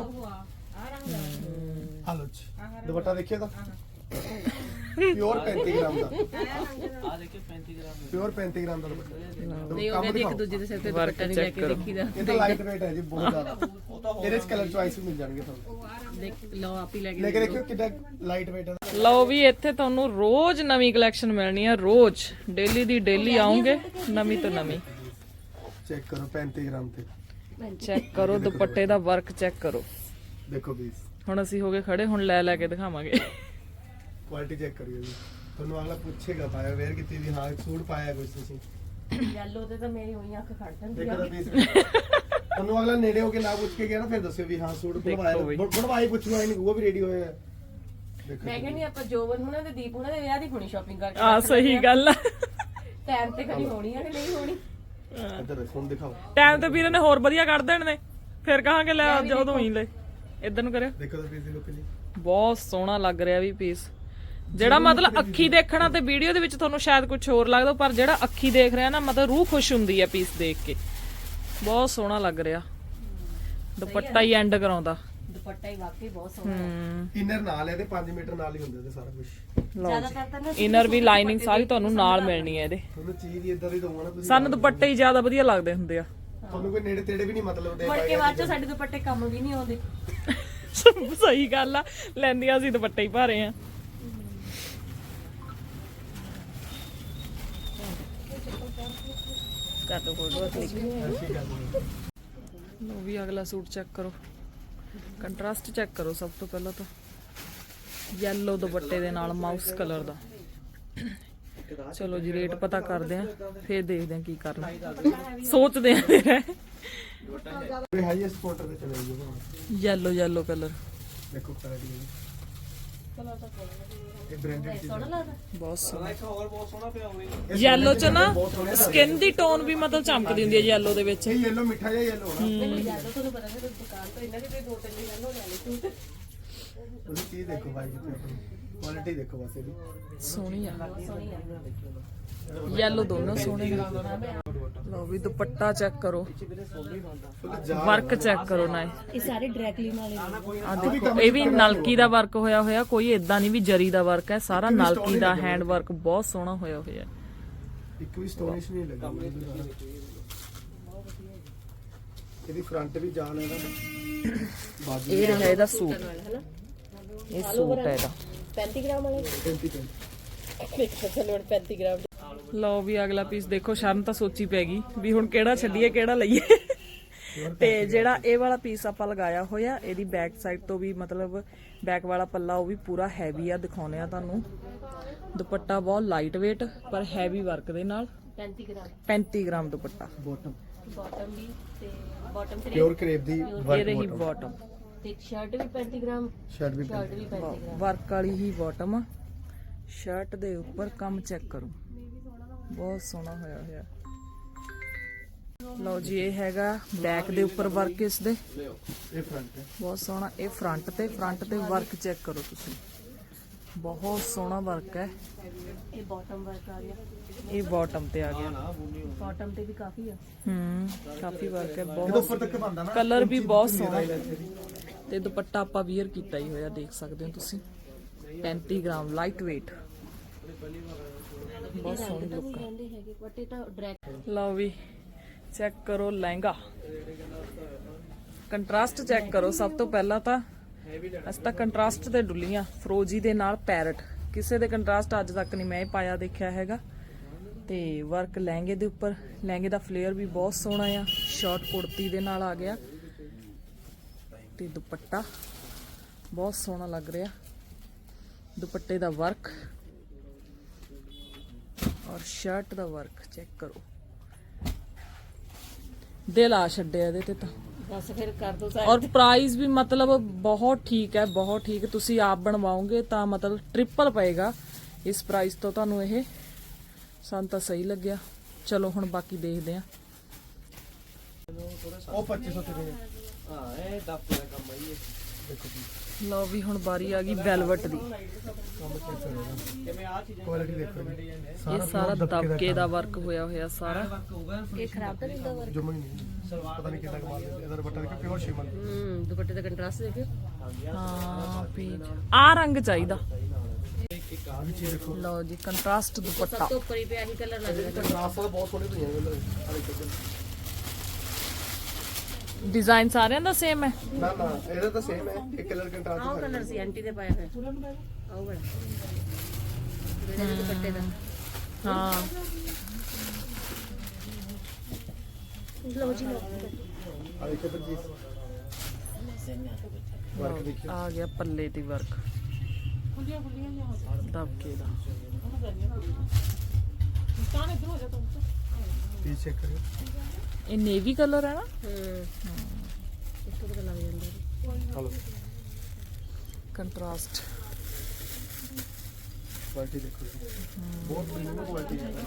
Speaker 3: ਹਲੋ ਜੀ ਦੁਪੱਟਾ ਦੇਖਿਓ ਤਾਂ ਪਿਓਰ ਪੈਂਤੀ ਗ੍ਰਾਮ ਦਾ।
Speaker 4: ਆ ਦੇਖਿਓ ਪੈਂਤੀ ਗ੍ਰਾਮ
Speaker 3: ਪਿਓਰ ਪੈਂਤੀ ਗ੍ਰਾਮ ਦਾ ਦੁਪੱਟਾ।
Speaker 2: ਨਹੀਂ ਉਹ ਕਹਿੰਦੇ ਇੱਕ ਦੂਜੇ ਦੇ ਸਿਰ ਤੇ ਦੁਪੱਟਾ ਨਹੀਂ ਲੈ ਕੇ ਦੇਖੀਦਾ।
Speaker 3: ਇਹ ਤਾਂ ਲਾਈਟ weight ਹੈ ਜੀ ਬਹੁਤ ਜ਼ਿਆਦਾ। ਇਹਦੇ ਚ ਕਲਰ ਚੁਆਇਸ ਵੀ ਮਿਲ ਜਾਣਗੇ ਤੁਹਾਨੂੰ।
Speaker 2: ਦੇਖ ਲਓ ਆਪ ਹੀ ਲੈ
Speaker 3: ਲੈ
Speaker 2: ਕੇ
Speaker 3: ਕੇ ਦੇਖਿਓ ਕਿੰਨਾ ਲਾਈਟ weight ਹੈ।
Speaker 1: ਲਓ ਵੀ ਇੱਥੇ ਤੁਹਾਨੂੰ ਰੋਜ਼ ਨਵੀਂ ਕਲੈਕਸ਼ਨ ਮਿਲਣੀ ਆ। ਰੋਜ਼ ਡੇਲੀ ਦੀ ਡੇਲੀ ਆਉਂਗੇ ਨਵੀਂ ਤੋਂ ਨਵੀਂ।
Speaker 3: ਚੈੱਕ ਕਰੋ ਪੈਂਤੀ ਗ੍ਰਾਮ ਤੇ।
Speaker 1: ਚੈੱਕ ਕਰੋ ਦੁਪੱਟੇ ਦਾ ਵਰਕ ਚੈੱਕ ਕਰੋ।
Speaker 3: ਦੇਖੋ ਪੀਸ
Speaker 1: ਹੁਣ ਅਸੀਂ ਹੋ ਗਏ ਖੜੇ, ਹੁਣ ਲੈ ਲੈ ਕੇ ਦਿਖਾਵਾਂਗੇ।
Speaker 3: ਕੁਆਲਿਟੀ ਚੈੱਕ ਕਰਿਓ ਜੀ। ਤੁਹਾਨੂੰ ਅਗਲਾ ਪੁੱਛੇਗਾ ਪਾਇਆ ਵੇਅਰ ਕੀਤੀ ਵੀ ਹਾਂ ਸੂਟ ਪਾਇਆ ਕੁਝ ਤੁਸੀਂ।
Speaker 2: ਯੈਲੋ ਤੇ ਤਾਂ ਮੇਰੀ ਹੋਈ ਅੱਖ ਖੜ ਜਾਂਦੀ
Speaker 3: ਦੇਖੋ
Speaker 2: ਆ।
Speaker 3: ਤਾਂ ਪੀਸ ਉਹਨੂੰ ਅਗਲਾ ਨੇੜੇ ਹੋ ਕੇ ਨਾ ਪੁੱਛ ਕੇ ਗਿਆ ਨਾ ਫਿਰ ਦੱਸਿਓ ਵੀ ਹਾਂ ਸੂਟ ਬਣਵਾਇਆ
Speaker 1: ਬਈ।
Speaker 3: ਬਣ- ਬਣਵਾਈ ਪੁੱਛੂਗਾ ਨਹੀਂ ਉਹ ਵੀ ਰੈਡੀ ਹੋਇਆ ਹੈ। ਦੇਖੋ
Speaker 2: ਮੈਂ ਕਹਿੰਦੀ ਆਪਾਂ ਜੋਬਨ ਹੁਣਾਂ ਤੇ ਦੀਪ ਹੁਣਾਂ ਦੇ ਵਿਆਹ ਦੀ ਹੋਣੀ ਸ਼ਾਪਿੰਗ ਕਰਕੇ
Speaker 1: ਆ ਸਹੀ ਗੱਲ ਆ
Speaker 2: ਟਾਈਮ ਤੇ ਕਦੀ ਹੋਣੀ ਆ ਕਿ ਨਹੀਂ ਹੋਣੀ।
Speaker 3: ਇੱਧਰ ਦੇਖੋ ਹੁਣ ਦਿਖਾਓ
Speaker 1: ਟਾਈਮ ਤੇ ਵੀਰੇ ਨੇ ਹੋਰ ਵਧੀਆ ਕੱਢ ਦੇਣ ਨੇ ਫਿਰ ਕਹਾਂਗੇ ਲੈ ਜਦੋਂ ਹੀ ਲੈ ਇਧਰ ਨੂੰ ਕਰਿਓ
Speaker 3: ਦੇਖੋ ਤਾਂ ਪੀਸ ਦੀ ਲੁੱਕ ਜੀ
Speaker 1: ਬਹੁਤ ਸੋਹਣਾ ਲੱਗ ਰਿਹਾ ਵੀ ਪੀਸ ਜਿਹੜਾ ਮਤਲਬ ਅੱਖੀ ਦੇਖਣਾ ਤੇ ਵੀਡੀਓ ਦੇ ਵਿੱਚ ਤੁਹਾਨੂੰ ਸ਼ਾਇਦ ਕੁਝ ਹੋਰ ਲੱਗਦਾ ਪਰ ਜਿਹੜਾ ਅੱਖੀ ਦੇਖ ਰਿਹਾ ਨਾ ਮਤਲਬ ਰੂਹ ਖੁਸ਼ ਹੁੰਦੀ ਹੈ ਪੀਸ ਦੇਖ ਕੇ ਬਹੁਤ ਸੋਹਣਾ ਲੱਗ ਰਿਹਾ ਦੁਪੱਟਾ ਹੀ ਐਂਡ ਕਰਾਉਂਦਾ
Speaker 2: ਦੁਪੱਟਾ ਹੀ ਵਾਕਈ ਬਹੁਤ ਸੋਹਣਾ
Speaker 1: ਹੂੰ
Speaker 3: ਇਨਰ ਨਾਲ ਇਹਦੇ ਪੰਜ ਮੀਟਰ ਨਾਲ ਹੀ ਹੁੰਦੇ ਤੇ ਸਾਰਾ ਕੁਝ
Speaker 2: ਜ਼ਿਆਦਾਤਰ ਤਾਂ ਨਾ
Speaker 1: ਇਨਰ ਵੀ ਲਾਈਨਿੰਗ ਸਾਰੀ ਤੁਹਾਨੂੰ ਨਾਲ ਮਿਲਣੀ ਹੈ ਇਹਦੇ
Speaker 3: ਤੁਹਾਨੂੰ ਚੀਜ਼ ਹੀ ਇਦਾਂ ਦੀ ਦਊਂਗਾ ਨਾ ਤੁਸੀਂ
Speaker 1: ਸਾਨੂੰ ਦੁਪੱਟੇ ਹੀ ਜ਼ਿਆਦਾ ਵਧੀਆ ਲੱਗਦੇ ਹੁੰਦੇ ਆ
Speaker 3: ਤੁਹਾਨੂੰ ਕੋਈ ਨੇੜੇ ਤੇੜੇ ਵੀ ਨਹੀਂ ਮਤਲਬ ਦੇ
Speaker 2: ਮੁੜ ਕੇ ਬਾਅਦ ਚ ਸਾਡੇ ਦੁਪੱਟੇ ਕੰਮ ਵੀ ਨਹੀਂ ਆਉਂਦੇ।
Speaker 1: ਸਹੀ ਗੱਲ ਆ ਲੈਂਦੀਆਂ ਅਸੀਂ ਦੁਪੱਟੇ ਹੀ ਭਾਰੇ ਆ ਕਰ ਦੋ ਫੋਟੋ ਕਲਿੱਕ
Speaker 3: ਐਸੀ ਗੱਲ ਨਹੀਂ
Speaker 1: ਲੋ ਵੀ ਅਗਲਾ ਸੂਟ ਚੈੱਕ ਕਰੋ ਕੰਟਰਾਸਟ ਚੈੱਕ ਕਰੋ ਸਭ ਤੋਂ ਪਹਿਲਾਂ ਤਾਂ ਯੈਲੋ ਦੁਪੱਟੇ ਦੇ ਨਾਲ ਮਾਊਸ ਕਲਰ ਦਾ ਚਲੋ ਜੀ ਰੇਟ ਪਤਾ ਕਰਦੇ ਆ ਫੇਰ ਦੇਖਦੇ ਆ ਕੀ ਕਰਨਾ ਸੋਚਦੇ ਆ ਫਿਰ
Speaker 3: ਇਹ ਹਾਈਐਸਟ ਕੁਆਟਰ ਤੇ ਚਲੇ ਜਾਓ
Speaker 1: ਯੈਲੋ ਯੈਲੋ ਕਲਰ
Speaker 3: ਦੇਖੋ ਕੁਆਲਿਟੀ ਇਹ ਬ੍ਰਾਂਡਡ ਚੀਜ਼
Speaker 2: ਸੋਹਣਾ ਲੱਗਦਾ।
Speaker 1: ਬਹੁਤ ਸੋਹਣਾ
Speaker 4: ਇੱਕ ਹੋਰ ਬਹੁਤ ਸੋਹਣਾ ਪਿਆ ਹੋਵੇ
Speaker 1: ਯੈਲੋ ਚ ਨਾ ਸਕਿਨ ਦੀ ਟੋਨ ਵੀ ਮਤਲਬ ਚਮਕਦੀ ਹੁੰਦੀ ਹੈ ਯੈਲੋ ਦੇ ਵਿੱਚ
Speaker 3: ਇਹ ਯੈਲੋ ਮਿੱਠਾ ਜਿਹਾ ਯੈਲੋ ਹੋਣਾ
Speaker 2: ਮੈਨੂੰ ਜ਼ਿਆਦਾ ਤੁਹਾਨੂੰ ਪਤਾ ਹੈ ਦੁਕਾਨ ਤੋਂ ਇਹਨਾਂ ਦੇ ਕੋਈ ਦੋ ਤਿੰਨ ਦਿਨ ਹੋ ਗਏ ਸੂਟ।
Speaker 3: ਤੁਸੀਂ ਚੀਜ਼ ਦੇਖੋ ਭਾਈ ਜੀ ਆਪਣੀ ਕੁਆਲਿਟੀ ਦੇਖੋ ਬਸ ਇਹਦੀ
Speaker 1: ਸੋਹਣੀ ਆ
Speaker 2: ਸੋਹਣੀ ਆ।
Speaker 1: ਯੈਲੋ ਦੋਨੋਂ ਸੋਹਣੇ ਨੇ ਲਓ ਵੀ ਦੁਪੱਟਾ ਚੈੱਕ ਕਰੋ
Speaker 3: ਫੁੱਲ ਜਾ
Speaker 1: ਵਰਕ ਚੈੱਕ ਕਰੋ ਨਾ
Speaker 2: ਇਹ ਸਾਰੇ ਡਾਇਰੈਕਟਲੀ ਵਾਲੇ ਨੇ।
Speaker 1: ਆ ਦੇਖੋ ਇਹ ਵੀ ਨਲਕੀ ਦਾ ਵਰਕ ਹੋਇਆ ਹੋਇਆ ਕੋਈ ਇਦਾਂ ਨਹੀਂ ਵੀ ਜਰੀ ਦਾ ਵਰਕ ਹੈ ਸਾਰਾ ਨਲਕੀ ਦਾ ਹੈਂਡ ਵਰਕ ਬਹੁਤ ਸੋਹਣਾ ਹੋਇਆ ਹੋਇਆ
Speaker 3: ਇੱਕ ਵੀ ਸਟੋਨਿਸ਼ ਨਹੀਂ ਲੱਗੀ ਇਹਦੀ ਫਰੰਟ ਵੀ ਜਾਨ ਹੈ ਨਾ ਬਾਜੂ
Speaker 1: ਇਹ ਰਿਹਾ ਇਹਦਾ ਸੂਟ
Speaker 2: ਹਨਾ
Speaker 1: ਇਹ ਸੂਟ ਹੈ ਇਹਦਾ
Speaker 2: ਪੈਂਤੀ ਗ੍ਰਾਮ ਵਾਲੇ
Speaker 3: ਪੈਂਤੀ ਪੈਂਤੀ
Speaker 2: ਦੇਖੋ ਚਲੋ ਪੈਂਤੀ ਗ੍ਰਾਮ
Speaker 1: ਲਓ ਵੀ ਅਗਲਾ ਪੀਸ ਦੇਖੋ ਸ਼ਰਨ ਤਾਂ ਸੋਚੀ ਪੈ ਗਈ ਵੀ ਹੁਣ ਕਿਹੜਾ ਛੱਡੀਏ ਕਿਹੜਾ ਲਈਏ ਤੇ ਜਿਹੜਾ ਇਹ ਵਾਲਾ ਪੀਸ ਆਪਾਂ ਲਗਾਇਆ ਹੋਇਆ ਇਹਦੀ ਬੈਕ ਸਾਈਡ ਤੋਂ ਵੀ ਮਤਲਬ ਬੈਕ ਵਾਲਾ ਪੱਲਾ ਉਹ ਵੀ ਪੂਰਾ ਹੈਵੀ ਆ ਦਿਖਾਉਣੇ ਆ ਤੁਹਾਨੂੰ ਦੁਪੱਟਾ ਬਹੁਤ ਲਾਈਟ weight ਪਰ ਹੈਵੀ ਵਰਕ ਦੇ ਨਾਲ
Speaker 2: ਪੈਂਤੀ ਗ੍ਰਾਮ
Speaker 1: ਪੈਂਤੀ ਗ੍ਰਾਮ ਦੁਪੱਟਾ
Speaker 3: ਬੋਟਮ
Speaker 2: ਬਾਟਮ ਵੀ ਤੇ ਬਾਟਮ ਤੇ
Speaker 3: ਪਿਓਰ ਕਰੇਪ ਦੀ
Speaker 1: ਇਹ ਰਹੀ
Speaker 3: ਵਰਕ
Speaker 1: ਬਾਟਮ
Speaker 2: ਤੇ ਸ਼ਰਟ ਵੀ ਪੈਂਤੀ ਗ੍ਰਾਮ
Speaker 3: ਸ਼ਰਟ ਵੀ
Speaker 2: ਸ਼ਰਟ ਵੀ ਪੈਂਤੀ ਗ੍ਰਾਮ
Speaker 1: ਵਰਕ ਵਾਲੀ ਹੀ ਬਾਟਮ ਆ ਸ਼ਰਟ ਦੇ ਉੱਪਰ ਕੰਮ ਚੈੱਕ ਕਰੋ ਬਹੁਤ ਸੋਹਣਾ ਹੋਇਆ ਹੋਇਆ ਲਓ ਜੀ ਇਹ ਹੈਗਾ ਬੈਕ ਦੇ ਉੱਪਰ ਵਰਕ ਇਸ ਦੇ
Speaker 3: ਇਹ ਫਰੰਟ ਹੈ
Speaker 1: ਬਹੁਤ ਸੋਹਣਾ ਇਹ ਫਰੰਟ ਤੇ ਫਰੰਟ ਤੇ ਵਰਕ ਚੈੱਕ ਕਰੋ ਤੁਸੀਂ ਬਹੁਤ ਸੋਹਣਾ ਵਰਕ ਹੈ
Speaker 2: ਇਹ ਬਾਟਮ ਵਰਕ ਆ ਗਿਆ
Speaker 1: ਇਹ ਬਾਟਮ ਤੇ ਆ ਗਿਆ
Speaker 2: ਬਾਟਮ ਤੇ ਵੀ ਕਾਫੀ ਆ
Speaker 1: ਹੂੰ ਕਾਫੀ ਵਰਕ ਹੈ
Speaker 3: ਇਹਦੇ
Speaker 1: ਬਹੁਤ
Speaker 3: ਉੱਪਰ ਤੱਕ ਬੰਦਾ ਨਾ
Speaker 1: ਕਲਰ ਵੀ ਬਹੁਤ ਸੋਹਣਾ ਹੈ ਤੇ ਦੁਪੱਟਾ ਆਪਾਂ ਵੀਅਰ ਕੀਤਾ ਹੀ ਹੋਇਆ ਦੇਖ ਸਕਦੇ ਹੋ ਤੁਸੀਂ ਪੈਂਤੀ ਗ੍ਰਾਮ ਲਾਈਟ weight ਬਹੁਤ ਸੋਹਣੀ ਲੁੱਕ ਹੈ
Speaker 2: ਕਹਿੰਦੇ ਹੈਗੇ ਬਟ ਇਹ ਤਾਂ ਡਾਇਰੈਕਟ
Speaker 1: ਲਓ ਵੀ ਚੈੱਕ ਕਰੋ ਲਹਿੰਗਾ ਕੰਟਰਾਸਟ ਚੈੱਕ ਕਰੋ ਸਭ ਤੋਂ ਪਹਿਲਾਂ ਤਾਂ ਅਸੀਂ ਤਾਂ ਕੰਟਰਾਸਟ ਤੇ ਡੁੱਲੀਆਂ ਫਰੋਜੀ ਦੇ ਨਾਲ ਪੈਰਟ ਕਿਸੇ ਦੇ ਕੰਟਰਾਸਟ ਅੱਜ ਤੱਕ ਨਹੀਂ ਮੈਂ ਇਹ ਪਾਇਆ ਦੇਖਿਆ ਹੈਗਾ ਤੇ ਵਰਕ ਲਹਿੰਗੇ ਦੇ ਉੱਪਰ ਲਹਿੰਗੇ ਦਾ ਫਲੇਅਰ ਵੀ ਬਹੁਤ ਸੋਹਣਾ ਆ ਸ਼ਾਰਟ ਕੁੜਤੀ ਦੇ ਨਾਲ ਆ ਗਿਆ ਤੇ ਦੁਪੱਟਾ ਬਹੁਤ ਸੋਹਣਾ ਲੱਗ ਰਿਹਾ ਦੁਪੱਟੇ ਦਾ ਵਰਕ ਔਰ ਸ਼ਰਟ ਦਾ ਵਰਕ ਚੈੱਕ ਕਰੋ ਦਿਲ ਆ ਛੱਡਿਆ ਇਹਦੇ ਤੇ ਤਾਂ
Speaker 2: ਬਸ ਫਿਰ ਕਰ ਦੋ
Speaker 1: ਔਰ ਪ੍ਰਾਈਸ ਵੀ ਮਤਲਬ ਬਹੁਤ ਠੀਕ ਹੈ ਬਹੁਤ ਠੀਕ ਤੁਸੀਂ ਆਪ ਬਣਵਾਓਗੇ ਤਾਂ ਮਤਲਬ ਟ੍ਰਿਪਲ ਪਏਗਾ ਇਸ ਪ੍ਰਾਈਸ ਤੋਂ ਤੁਹਾਨੂੰ ਇਹ ਸਾਨੂੰ ਤਾਂ ਸਹੀ ਲੱਗਿਆ ਚਲੋ ਹੁਣ ਬਾਕੀ ਦੇਖਦੇ ਆ
Speaker 3: ਉਹ ਪੱਚੀ ਸੌ ਤੇ
Speaker 4: ਹਾਂ ਇਹ ਦਫਤੇ ਦਾ ਕੰਮ ਹੈ ਇਹ
Speaker 3: ਦੇਖੋ
Speaker 1: ਲਓ ਵੀ ਹੁਣ ਬਾਰੀ ਆ ਗਈ ਵੈਲਵਟ ਦੀ
Speaker 4: ਕਿਵੇਂ ਆ ਚੀਜ਼ਾਂ
Speaker 3: ਕੁਆਲਿਟੀ ਦੇਖੋ ਜੀ।
Speaker 1: ਇਹ ਸਾਰਾ ਦਬਕੇ ਦਾ ਵਰਕ ਹੋਇਆ ਹੋਇਆ ਸਾਰਾ
Speaker 4: ਵਰਕ ਹੋਊਗਾ
Speaker 2: ਇਹ ਖਰਾਬ ਤਾਂ ਨਹੀਂ ਹੁੰਦਾ ਵਰਕ
Speaker 3: ਜਮਾ ਹੀ ਨਹੀਂ ਪਤਾ ਨਹੀਂ ਕਿੰਨਾ ਕਮਾਲ ਦਿੰਦੇ ਇਹਦਾ ਦੁਪੱਟਾ ਦੇਖੋ ਪਿਓਰ ਸ਼ਿਮਰ
Speaker 2: ਹੂੰ ਦੁਪੱਟੇ ਦਾ ਕੰਟਰਾਸਟ ਦੇਖਿਓ
Speaker 1: ਹਾਂ ਪੀਚ ਆ ਰੰਗ ਚਾਹੀਦਾ
Speaker 3: ਆ ਵੀ ਚੀਜ਼ ਦੇਖੋ
Speaker 1: ਲਓ ਜੀ ਕੰਟਰਾਸਟ ਦੁਪੱਟਾ
Speaker 2: ਸਭ ਤੋਂ ਉੱਪਰ ਹੀ ਪਿਆ ਹੀ ਕਲਰ ਲੱਗਦਾ
Speaker 3: ਕੰਟਰਾਸਟ ਦਾ ਬਹੁਤ ਸੋਹਣੀ ਪਈਆਂ ਨੇ ਆ ਦੇਖੋ
Speaker 1: ਡਿਜ਼ਾਈਨ ਸਾਰਿਆਂ ਦਾ ਸੇਮ ਹੈ
Speaker 3: ਨਾ ਨਾ ਇਹਦਾ ਤਾਂ ਸੇਮ ਹੈ ਇੱਕ ਕਲਰ ਕੰਟਰਾਸਟ
Speaker 2: ਆਹ ਕਲਰ ਸੀ ਆਂਟੀ ਦੇ ਪਾਇਆ ਹੋਇਆ ਆਹ ਬੜਾ ਜਿਹੜੇ ਦੁਪੱਟੇ ਦਾ
Speaker 1: ਹਾਂ
Speaker 2: ਲਓ ਜੀ ਲਓ
Speaker 3: ਆ ਦੇਖੋ ਤਾਂ ਜੀ ਵਰਕ ਦੇਖਿਓ
Speaker 1: ਆ ਗਿਆ ਪੱਲੇ ਦੀ ਵਰਕ ਦਬਕੇ ਦਾ
Speaker 3: ਪੀਸ ਚੈੱਕ ਕਰਿਓ।
Speaker 1: ਇਹ ਨੇਵੀ ਕਲਰ ਹੈ ਨਾ?
Speaker 2: ਹੂੰ ਇਸ ਤੋਂ ਪਤਾ ਲੱਗ ਜਾਂਦਾ
Speaker 3: ਹਲੋ
Speaker 1: ਕੰਟਰਾਸਟ।
Speaker 3: ਕੁਆਲਿਟੀ ਦੇਖੋ ਜੀ, ਬਹੁਤ ਪ੍ਰੀਮੀਅਮ ਕੁਆਲਿਟੀ ਹੈ।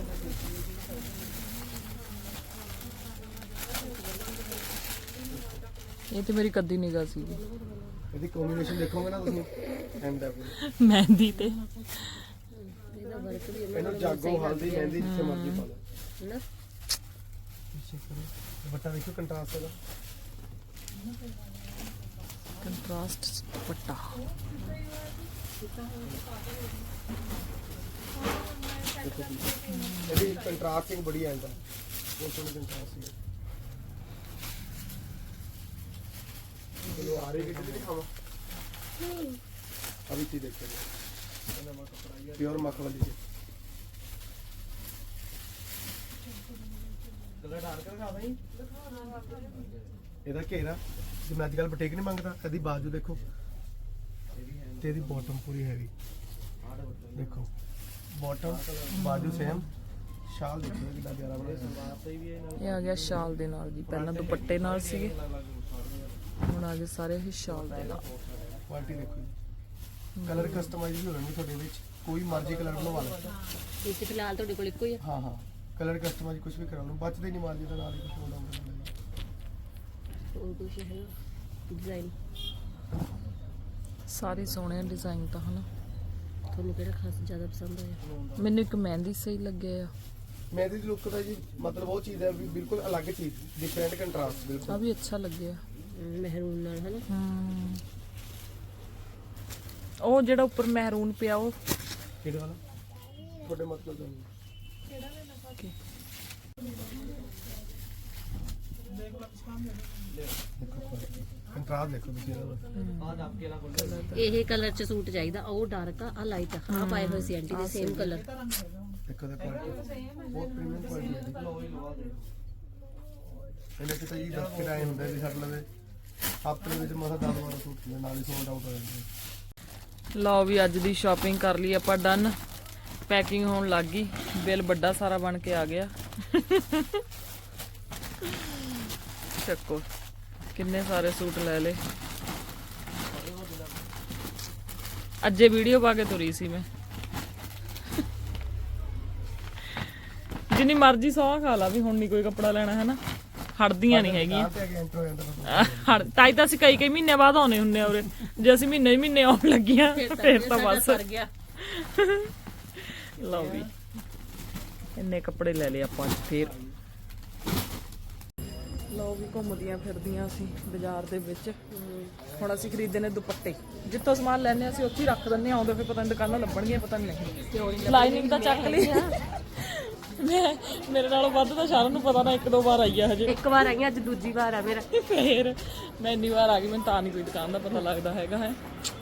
Speaker 1: ਇਹ ਤੇ ਮੇਰੀ ਕੱਦੀ ਨਿਗਾਹ ਸੀ
Speaker 3: ਇਹਦੀ ਕੰਬੀਨੇਸ਼ਨ ਦੇਖੋਗੇ ਨਾ ਤੁਸੀਂ ਐਂਡ ਆਪ
Speaker 1: ਮਹਿੰਦੀ ਤੇ।
Speaker 2: ਇਹਦਾ ਵਰਕ ਵੀ
Speaker 3: ਇਹਨੂੰ ਜਾਗੋ ਹਲਦੀ ਮਹਿੰਦੀ ਜਿੱਥੇ ਮਰਜ਼ੀ ਪਾ ਲਓ।
Speaker 2: ਨਾ
Speaker 3: ਦੁਪੱਟਾ ਦੇਖੋ ਕੰਟਰਾਸਟ ਇਹਦਾ।
Speaker 1: ਕੰਟਰਾਸਟ ਦੁਪੱਟਾ।
Speaker 3: ਇਹਦੀ ਕੰਟਰਾਸਟਿੰਗ ਬੜੀ ਆਂਦਾ, ਬਹੁਤ ਸੋਹਣੀ ਕੰਟਰਾਸਟ ਹੈ। चलो आ रही कितनी दिखावा अभी चीज देखते हैं प्योर मख वाली जी
Speaker 4: ਕਲਰ ਡਾਰਕ ਰਖਾ ਦਈ
Speaker 3: ਇਹਦਾ ਘੇਰਾ ਜਿਵੇਂ ਅੱਜ ਕੱਲ ਬਟੇਕ ਨਹੀਂ ਮੰਗਦਾ, ਇਹਦੀ ਬਾਜੂ ਦੇਖੋ ਤੇ ਇਹਦੀ ਬਾਟਮ ਪੂਰੀ ਹੈਵੀ ਦੇਖੋ, ਬਾਟਮ ਬਾਜੂ ਸੇਮ, ਸ਼ਾਲ ਦੇਖੋ ਕਿੰਨਾ ਪਿਆਰਾ ਬਣਾਇਆ।
Speaker 1: ਇਹ ਆ ਗਿਆ ਸ਼ਾਲ ਦੇ ਨਾਲ ਜੀ, ਪਹਿਲਾਂ ਦੁਪੱਟੇ ਨਾਲ ਸੀਗੇ, ਹੁਣ ਆ ਗਏ ਸਾਰੇ ਇਹ ਸ਼ਾਲ ਦੇ ਨਾਲ।
Speaker 3: ਕੁਆਲਿਟੀ ਦੇਖੋ ਜੀ, ਕਲਰ ਕਸਟਮਾਈਜ਼ ਵੀ ਹੋ ਜਾਣਗੇ ਤੁਹਾਡੇ ਵਿੱਚ, ਕੋਈ ਮਰਜ਼ੀ ਕਲਰ ਬਣਵਾ ਲਓ।
Speaker 2: ਇਹ ਤੇ ਫਿਲਹਾਲ ਤੁਹਾਡੇ ਕੋਲ ਇੱਕੋ ਹੀ ਆ।
Speaker 3: ਹਾਂ ਹਾਂ ਕਲਰ ਕਸਟਮਾਈਜ਼ ਕੁਝ ਵੀ ਕਰਾ ਲਓ, ਬਚਦੇ ਨਹੀਂ ਮਾਲ ਜੀ ਦਾ ਨਾਲ ਹੀ ਕੁਝ ਹੋਰ ਆਉਂਦਾ।
Speaker 2: ਹੋਰ ਕੁਝ ਹੈ ਡਿਜ਼ਾਈਨ
Speaker 1: ਸਾਰੇ ਸੋਹਣੇ ਡਿਜ਼ਾਈਨ ਤਾਂ ਹਨਾ।
Speaker 2: ਤੁਹਾਨੂੰ ਕਿਹੜਾ ਖਾਸ ਜ਼ਿਆਦਾ ਪਸੰਦ ਆਇਆ?
Speaker 1: ਮੈਨੂੰ ਇੱਕ ਮਹਿੰਦੀ ਸਹੀ ਲੱਗਿਆ ਆ।
Speaker 3: ਮਹਿੰਦੀ ਦੀ ਲੁੱਕ ਦਾ ਜੀ ਮਤਲਬ ਉਹ ਚੀਜ਼ ਹੈ ਵੀ ਬਿਲਕੁਲ ਅਲੱਗ ਚੀਜ਼, ਡਿਫਰੈਂਟ ਕੰਟਰਾਸਟ
Speaker 1: ਆ
Speaker 3: ਬਿਲਕੁਲ।
Speaker 1: ਵੀ ਅੱਛਾ ਲੱਗਿਆ।
Speaker 2: ਮਹਿਰੂਨ ਨਾਲ ਹੈ ਨਾ।
Speaker 1: ਹਮ ਉਹ ਜਿਹੜਾ ਉੱਪਰ ਮਹਿਰੂਨ ਪਿਆ ਉਹ
Speaker 3: ਕਿਹੜੇ ਵਾਲਾ ਤੁਹਾਡੇ ਮਤਲਬ ਦਾ ਕੰਟਰਾਸਟ ਦੇਖੋ ਤੁਸੀਂ ਇਹਦਾ।
Speaker 4: ਆ ਦੱਬ ਕੇ ਲਾ ਕੋਲ
Speaker 2: ਇਹ ਕਲਰ ਚ ਸੂਟ ਚਾਹੀਦਾ, ਉਹ ਡਾਰਕ ਆ, ਆ ਲਾਈਟ ਆ। ਆ ਪਾਏ ਹੋਏ ਸੀ ਆਂਟੀ ਦੇ ਸੇਮ ਕਲਰ।
Speaker 3: ਦੇਖੋ ਦਾ ਕੁਆਲਿਟੀ ਬਹੁਤ ਪ੍ਰੀਮੀਅਮ ਕੁਆਲਿਟੀ ਹੈ।
Speaker 4: ਲੋਈ ਲਵਾ ਦੇ
Speaker 3: ਇਹਨੇ ਕਿਤੇ ਜੀ ਦਸ ਕੇ ਆਏ ਹੁੰਦੇ ਵੀ ਸਾਡੇ ਲਵੇ ਹਫ਼ਤੇ ਵਿੱਚ ਮਸਾ ਦਸ ਵਾਰ ਸੂਟ ਦੇ ਨਾਲ ਹੀ ਸੋਲਡ ਆਊਟ ਹੋ ਜਾਂਦੇ।
Speaker 1: ਲਓ ਵੀ ਅੱਜ ਦੀ ਸ਼ਾਪਿੰਗ ਕਰ ਲਈ ਆਪਾਂ ਡਨ, ਪੈਕਿੰਗ ਹੋਣ ਲੱਗ ਗਈ, ਬਿੱਲ ਵੱਡਾ ਸਾਰਾ ਬਣ ਕੇ ਆ ਗਿਆ। ਚੱਕੋ ਕਿੰਨੇ ਸਾਰੇ ਸੂਟ ਲੈ ਲਏ। ਅੱਜੇ ਵੀਡੀਓ ਪਾ ਕੇ ਤੁਰੀ ਸੀ ਮੈਂ। ਜਿੰਨੀ ਮਰਜ਼ੀ ਸੌਂ ਖਾ ਲਾ ਵੀ ਹੁਣ ਨਹੀਂ ਕੋਈ ਕੱਪੜਾ ਲੈਣਾ ਹੈ ਨਾ, ਹਟਦੀਆਂ ਨਹੀਂ ਹੈਗੀਆਂ।
Speaker 3: ਤੇ ਅੱਗੇ ਐਂਟਰ ਹੋ ਜਾਂਦਾ
Speaker 1: ਹੜ ਤਾਈ ਤਾਂ ਅਸੀਂ ਕਈ ਕਈ ਮਹੀਨੇ ਬਾਅਦ ਆਉਣੇ ਹੁੰਨੇ ਆ ਉਰੇ, ਜੇ ਅਸੀਂ ਮਹੀਨੇ ਮਹੀਨੇ ਆਉਣ ਲੱਗੀਆਂ ਫੇਰ ਤਾਂ ਬਸ
Speaker 2: ਸਰ ਗਿਆ।
Speaker 1: ਲਓ ਵੀ ਇੰਨੇ ਕੱਪੜੇ ਲੈ ਲਏ ਆਪਾਂ ਅੱਜ ਫੇਰ। ਲਓ ਵੀ ਘੁੰਮਦੀਆਂ ਫਿਰਦੀਆਂ ਅਸੀਂ ਬਾਜ਼ਾਰ ਦੇ ਵਿੱਚ। ਹੁਣ ਅਸੀਂ ਖਰੀਦੇ ਨੇ ਦੁਪੱਟੇ, ਜਿੱਥੋਂ ਸਮਾਨ ਲੈਣੇ ਅਸੀਂ ਉੱਥੇ ਹੀ ਰੱਖ ਦਿੰਦੇ ਆ, ਆਉਂਦੇ ਫਿਰ ਪਤਾ ਨਹੀਂ ਦੁਕਾਨਾਂ ਲੱਭਣਗੀਆਂ ਪਤਾ ਨਹੀਂ। ਲਾਈਨਿੰਗ ਤਾਂ ਚੱਕ ਲਈ ਮੈਂ, ਮੇਰੇ ਨਾਲੋਂ ਵੱਧ ਤਾਂ ਸ਼ਰਨ ਨੂੰ ਪਤਾ ਨਾ, ਇੱਕ ਦੋ ਵਾਰ ਆਈ ਆ ਹਜੇ।
Speaker 2: ਇੱਕ ਵਾਰ ਆਈ ਅੱਜ ਦੂਜੀ ਵਾਰ ਆ ਮੇਰਾ।
Speaker 1: ਫੇਰ ਮੈਂ ਇੰਨੀ ਵਾਰ ਆ ਗਈ, ਮੈਨੂੰ ਤਾਂ ਨਹੀਂ ਕੋਈ ਦੁਕਾਨ ਦਾ ਪਤਾ ਲੱਗਦਾ ਹੈਗਾ ਹੈ।